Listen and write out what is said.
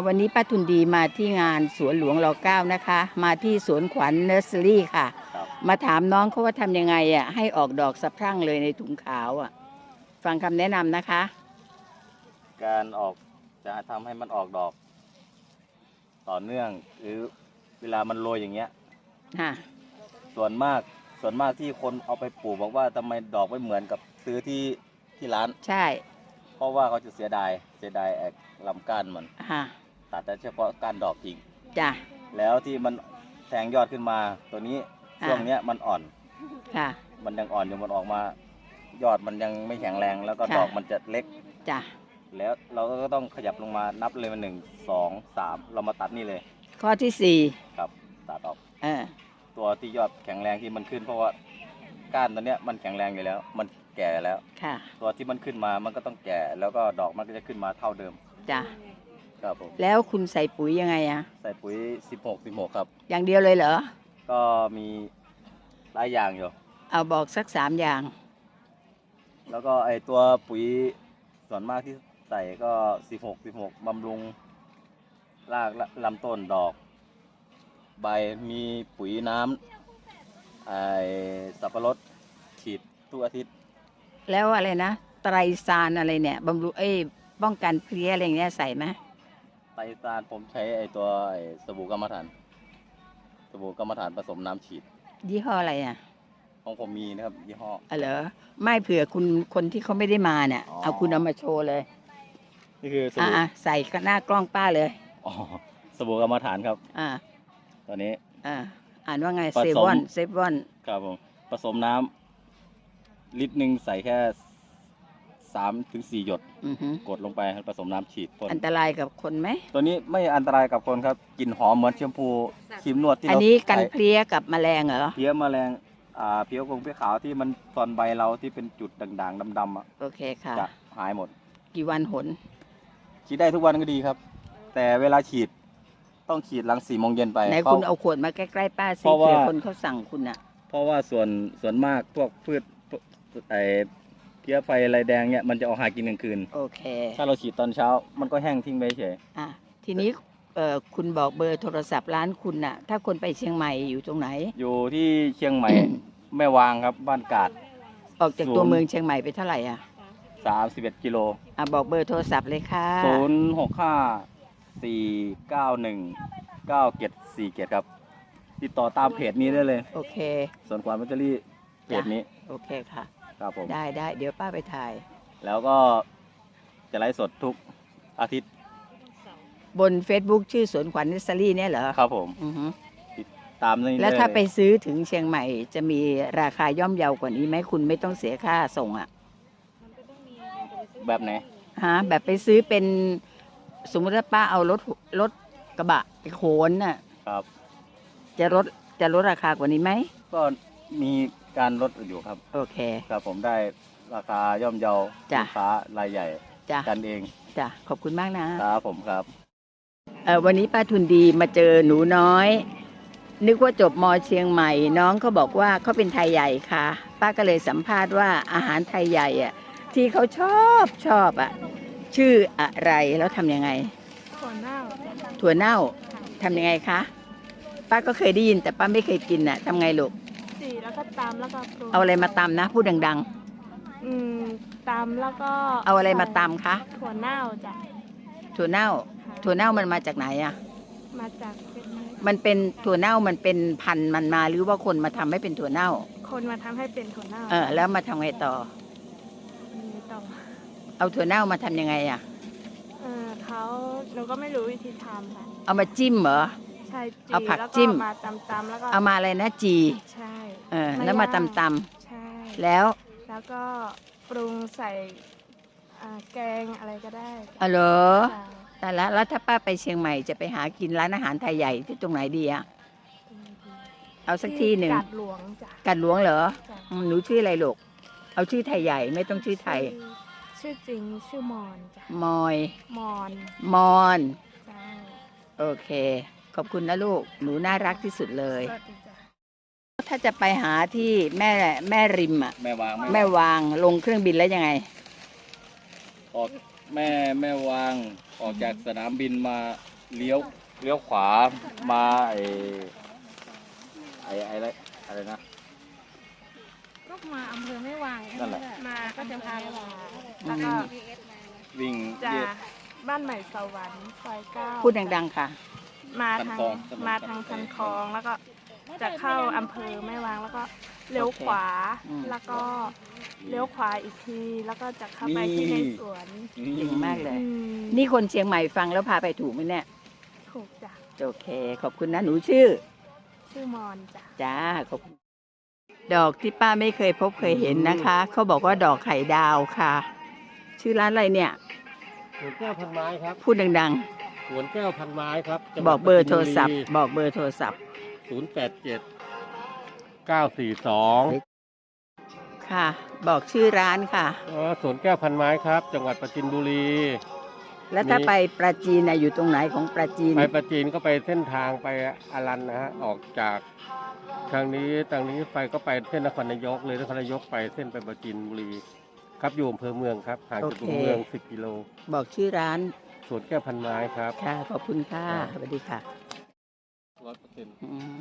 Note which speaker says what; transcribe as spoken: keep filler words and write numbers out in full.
Speaker 1: วันนี้ป้าทุนดีมาที่งานสวนหลวงรเก้านะคะ มาที่สวนขวัญเนอร์เซอรี่ค่ะ มาถามน้องเขาว่าทำยังไงอ่ะให้ออกดอกสะพรั่งเลยในถุงขาวอ่ะฟังคำแนะนำนะคะ
Speaker 2: การออกจะทำให้มันออกดอก ต่อเนื่องหรือเวลามันโรยอย่างเงี้ย
Speaker 1: ค่ะ
Speaker 2: ส่วนมากส่วนมากที่คนเอาไปปลูกบอกว่าทำไมดอกไม่เหมือนกับซื้อที่ที่ร้าน
Speaker 1: ใช่
Speaker 2: เพราะว่าเขาจะเสียดายเสียดายไอ้ลำก้านมัน
Speaker 1: ค่ะ
Speaker 2: ตัดแต่เฉพาะก้านดอกทิ้ง
Speaker 1: จ้ะ
Speaker 2: แล้วที่มันแทงยอดขึ้นมาตัวนี้
Speaker 1: อ่า
Speaker 2: ช่วงเนี้ยมันอ่อน
Speaker 1: ค่ะ
Speaker 2: มันยังอ่อนอยู่มันออกมา ยอดมันยังไม่แข็งแรงแล้วก็
Speaker 1: ค่ะ
Speaker 2: ดอกมันจะเล็ก
Speaker 1: จ้ะ
Speaker 2: แล้วเราก็ต้องขยับลงมานับเลยมาหนึ่งสองสามเรามาตัดนี่เลย
Speaker 1: ข้อที่สี่
Speaker 2: ครับตัดออก
Speaker 1: เออ
Speaker 2: ตัวที่ยอดแข็งแรงที่มันขึ้นเพราะว่าก้านตัวเนี้ยมันแข็งแรงอยู่แล้ว มันแก่แล้ว
Speaker 1: ค่ะ
Speaker 2: ตัวที่มันขึ้นมามันก็ต้องแก่แล้วก็ดอกมันก็จะขึ้นมาเท่าเดิม
Speaker 1: จ้ะ
Speaker 2: ครับผม
Speaker 1: แล้วคุณใส่ปุ๋ยยังไงอ่ะ
Speaker 2: ใส่ปุ๋ยสิบหก สิบหกครับ
Speaker 1: อย่างเดียวเลยเหรอ
Speaker 2: ก็มีหลายอย่างอยู่
Speaker 1: เอาบอกสักสามอย่าง
Speaker 2: แล้วก็ไอตัวปุ๋ยส่วนมากที่ใส่ก็สิบหก สิบหกบำรุงรากลำต้นดอก ใบมีปุ๋ยน้ำไอสับปะรดฉีดทุกอาทิตย์
Speaker 1: แล้วอะไรนะไตรซานอะไรเนี่ยบำรุงเอ้ยป้องกันเพลี้ยอะไรอย่างเงี้ยใส่ไหม
Speaker 2: ไตรซานผมใช้ไอตัวไอสบู่กรรมฐานสบู่กรรมฐานผสมน้ำฉีด
Speaker 1: ยี่ห้ออะไรอ่ะ
Speaker 2: ของผมมีนะครับยี่ห้อ
Speaker 1: อ๋อเหรอไม่เผื่อคุณคนที่เขาไม่ได้มาเนี่ย
Speaker 2: อ๋อ
Speaker 1: เอาคุณเอามาโชว์เลย
Speaker 2: นี่คือส
Speaker 1: อ่า
Speaker 2: บู่
Speaker 1: ใส่หน้ากล้องป้าเลย
Speaker 2: อ๋อสบู่กรรมฐานครับ
Speaker 1: อ่า
Speaker 2: ตัวนี้
Speaker 1: อ่าอ่านว่าไง
Speaker 2: ผสม
Speaker 1: เซวอนเซวอน
Speaker 2: ครับผมผสมน้ำลิตรหนึ่งใส่แค่สามถึงสี่หยด
Speaker 1: อือหือก
Speaker 2: ดลงไปผสมน้ำฉีดพ่น
Speaker 1: อันตรายกับคนไหม
Speaker 2: ตัวนี้ไม่อันตรายกับคนครับกลิ่นหอมเหมือนแชมพูครีมนวดที่
Speaker 1: อัน
Speaker 2: เรา
Speaker 1: นี้กัน
Speaker 2: ใส่
Speaker 1: เพลี้ยกับแมลงเหรอ
Speaker 2: เพี้ยแมลงอ่าเพี้ยกงเพี้ยขาวที่มันตอนใบเราที่เป็นจุดด่างๆดำๆอ่ะ
Speaker 1: โอเคค่ะ
Speaker 2: จะหายหมด
Speaker 1: กี่วันหน
Speaker 2: ฉีดได้ทุกวันก็ดีครับ แต่เวลาฉีดต้องฉีดหลังสี่โมงเย็นไป
Speaker 1: ไหน
Speaker 2: เพราะ
Speaker 1: คุณเอาขวดมาใกล้ๆป้าสิ
Speaker 2: เพราะว่า
Speaker 1: เผื่อคนเขาสั่งคุณอ่ะ
Speaker 2: เพราะว่าส่วนส่วนมากพวกพืชไอเพี้ยไฟลายแดงเนี่ยมันจะออกหากินกลางคืน
Speaker 1: โอเค
Speaker 2: ถ้าเราฉีดตอนเช้ามันก็แห้งทิ้งไปเฉย
Speaker 1: อ่ะทีนี้เอ่อคุณบอกเบอร์โทรศัพท์ร้านคุณน่ะ ถ้าคนไปเชียงใหม่อยู่ตรงไหน
Speaker 2: อยู่ที่เชียงใหม่ แม่วางครับบ้านกาด
Speaker 1: ออกจากตัวเมืองเชียงใหม่ไปเท่าไหร่อ่ะ
Speaker 2: สามสิบเอ็ดกิโล
Speaker 1: อ่ะบอกเบอร์โทรศัพท์เลยค่ะ
Speaker 2: ศูนย์หกห้าสี่เก้าหนึ่งเก้าเจ็ดสี่เจ็ดครับ ติดต่อตามเพจนี้ได้เลย
Speaker 1: โอเค
Speaker 2: ส่วนความแบตเตอรี่เพจนี้
Speaker 1: โอเคค่ะ
Speaker 2: ครับผม
Speaker 1: ได้ได้เดี๋ยวป้าไปถ่าย
Speaker 2: แล้วก็จะไลฟ์สดทุกอาทิตย์
Speaker 1: บน Facebook ชื่อสวนขวัญเนสซารี่เนี่ยเหรอ
Speaker 2: ครับผม
Speaker 1: อือฮึ
Speaker 2: ตามนี้
Speaker 1: แล้วถ้า
Speaker 2: ด้เย
Speaker 1: ไปซื้อถึงเชียงใหม่จะมีราคาย่อมเยาวกว่านี้ไหมคุณไม่ต้องเสียค่าส่งอ่ะ
Speaker 2: แบบไหน
Speaker 1: ฮะแบบไปซื้อเป็นสมมติว่าป้าเอารถรถกระบะไปโขนน่ะ
Speaker 2: ครับ
Speaker 1: จะลดจะลดราคากว่านี้ไหม
Speaker 2: ก็มีการลดอยู่ครับ
Speaker 1: โอเค
Speaker 2: ครับผมได้ราคาย่อมเยา
Speaker 1: จ้ะ
Speaker 2: ลูกค้ารายใหญ่
Speaker 1: จ้ะ
Speaker 2: กันเอง
Speaker 1: จ้ะขอบคุณมากนะครับ
Speaker 2: ผมครับ
Speaker 1: เออวันนี้ป้าทุนดีมาเจอหนูน้อย นึกว่าจบมเชียงใหม่ น้องเขาบอกว่าเขาเป็นไทยใหญ่ค่ะ ป้าก็เลยสัมภาษณ์ว่าอาหารไทยใหญ่อ่ะที่เขาชอบชอบอ่ะชื่ออะไรแล้วทำยังไง
Speaker 3: ถั่วเน่า
Speaker 1: ถั่วเน่าทำยังไงคะป้าก็เคยได้ยินแต่ป้าไม่เคยกินน่ะทำไงลูก
Speaker 3: สีแล้วก็ตำแล้วก็ปรุง
Speaker 1: เอาอะไรมาตำนะพูดดัง
Speaker 3: อืมตำแล้วก็
Speaker 1: ๆ เอาอะไรมาตำคะ
Speaker 3: ถั่วเน่าจ้ะ
Speaker 1: ถั่วเน่า
Speaker 3: ค่ะ
Speaker 1: ถั่วเน่ามันมาจากไหนอ่ะ
Speaker 3: มาจากเป็น
Speaker 1: มันเป็นถั่วเน่ามันเป็นพันธุ์มันมาหรือว่าคนมาทำให้เป็นถั่วเน่า
Speaker 3: คนมาทำให้เป็นถั่วเน่า
Speaker 1: เออแล้วมาทำไงต่อ
Speaker 3: มีต่อ
Speaker 1: เอาถั่วเน่ามาทำยังไงอ่ะ
Speaker 3: เออเขาหนูก็ไม่รู้วิธีทำค่ะ
Speaker 1: เอามาจิ้มเหรอ
Speaker 3: ใช่จี
Speaker 1: เอาผัก
Speaker 3: แล้ว
Speaker 1: จิ้ม
Speaker 3: มาตำตำแล้วก็
Speaker 1: เอามาอะไรนะจี
Speaker 3: ใช่
Speaker 1: เออแล้วมาตำต
Speaker 3: ใช่
Speaker 1: ำแล้ว
Speaker 3: แล้วก็ปรุงใส่อ่าแกงอะไรก็ได้
Speaker 1: เออเหรอ
Speaker 3: จ้ะ
Speaker 1: แต่ละแล้วถ้าป้าไปเชียงใหม่จะไปหากินร้านอาหารไทยใหญ่ที่ตรงไหนดีอ่ะเอาสักที่หนึ่ง
Speaker 3: กาดหลวงจ้ะ
Speaker 1: กัดหลวงเหรอ
Speaker 3: จ้ะ
Speaker 1: อืมหนูชื่ออะไรลูกเอาชื่อไทยใหญ่ไม่ต้องชื่อไทย
Speaker 3: ชื่อจริงชื่อมอนจ้ะ
Speaker 1: มอย
Speaker 3: มอน
Speaker 1: มอน
Speaker 3: จ้า
Speaker 1: โอเค ขอบคุณนะลูก หนูน่ารักที่สุดเลย
Speaker 3: สวัสดีจ้ะ
Speaker 1: ถ้าจะไปหาที่แม่แม่ริมอ่ะ
Speaker 2: แม่วาง
Speaker 1: แม่วางลงเครื่องบินแล้วยังไง
Speaker 2: ออกแม่แม่วางออกจากสนามบินมาเลี้ยวเลี้ยวขวามาไอ้ไอ้ไอ้อะไรอะไรนะ
Speaker 4: ก็มาอำเภอไม่วาง
Speaker 2: นั่นแหละ
Speaker 3: มาก็จะพา
Speaker 4: ไม่วาง
Speaker 3: แล้วก็
Speaker 2: วิ่ง
Speaker 3: จะ
Speaker 2: เย็ด
Speaker 3: บ้านใหม่สวรรค์ซอยเก้า
Speaker 1: พูดดังๆค่ะ
Speaker 3: มา
Speaker 2: คัน
Speaker 3: ทาง
Speaker 2: คลองถนน
Speaker 3: มาทางคันคลองแล้วก็จะเข้าอำเภอแม่วางแล้วก็เลี้ยวขวา
Speaker 1: อืม
Speaker 3: แล้วก็เลี้ยวขวาอีกทีแล้วก็จะเข้าไปที่ในสวน
Speaker 1: เก่งมากเลย
Speaker 3: อืม
Speaker 1: นี่คนเชียงใหม่ฟังแล้วพาไปถูกไหมเนี่ย
Speaker 3: ถูกจ้ะ
Speaker 1: โอเค ขอบคุณนะหนูชื่อ
Speaker 3: ชื่อมอนจ้ะ
Speaker 1: จ้าขอบคุณดอกที่ป้าไม่เคยพบเคยเห็นนะคะ เขาบอกว่าดอกไข่ดาวค่ะ ชื่อร้านอะไรเนี่ย
Speaker 5: สวนแก้วพันไม้ครับ
Speaker 1: พูดดัง
Speaker 5: สวนแก้วพันไม้ครับ
Speaker 1: ๆ บอกเบอร์โทรศัพท์ บอกเบอร์โทรศัพท์
Speaker 5: ศูนย์แปดเจ็ดเก้าสี่สอง
Speaker 1: ค่ะ บอกชื่อร้านค่ะ
Speaker 5: สวนแก้วพันไม้ครับ จังหวัดปราจีนบุรี
Speaker 1: แล้วถ้า
Speaker 5: มี
Speaker 1: ไปปราจีนน่ะอยู่ตรงไหนของปราจีน
Speaker 5: ไปปราจีนก็ไปเส้นทางไปอารันนะฮะ ออกจากทางนี้ทางนี้ไปก็ไปเส้นนครนายกเลยนครนายกไปเส้นไปปราจีนบุรี ครับอยู่อำเภอเมืองครับห่างจากตัวเมืองสิบกิโล
Speaker 1: บอกชื่อร้าน
Speaker 5: สวนแก้วพันไม้ครับ
Speaker 1: ค่ะ ขอบคุณค่ะ สวัสดีค่ะ
Speaker 5: ร้อยเปอร์เซ็นต์
Speaker 1: อืม